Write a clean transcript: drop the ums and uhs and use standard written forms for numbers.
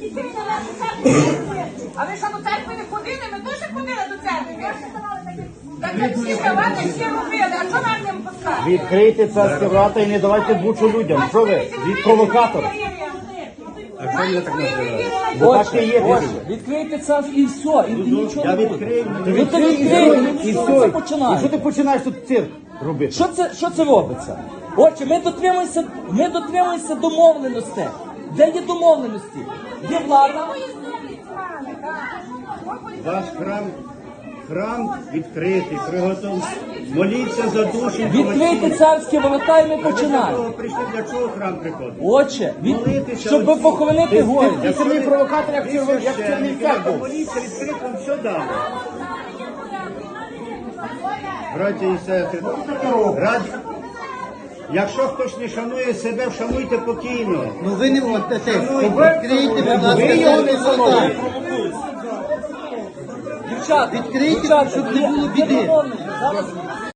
А ви що до церкви не ходили? Ми теж ходили до церкви. Так всі давали, всі робили. А що нам не пускати? Відкрийте царські врата і не давайте бучу людям. Що ви? Від провокатор. А що я так називаю? Бо так і є. Відкрийте це і все, і нічого Я не буде. відкрию. Ну то відкрийте, І що все. це І починає? що ти починаєш тут цирк робити? Що це робиться? Отже, ми дотримуємося домовленостей. Де є домовленості? Є влада. Ваш храм відкритий, приготовлений. Моліться за душі. Відкрийте царські ворота і ми Для чого починаємо. прийшли, для чого храм приходить? Отче, Молитися щоб оці. похоронити горі. Ти самий провокатор, як Чернівцях був. Моліться, відкрити вам все дали. Браті і сестри, якщо хтось не шанує себе, вшануйте покійно. Ну ви не можете. Відкрийте, будь ласка, Ви його не церкву. шануєте. Дівчата, Відкрийте, щоб не було біди. домовленість.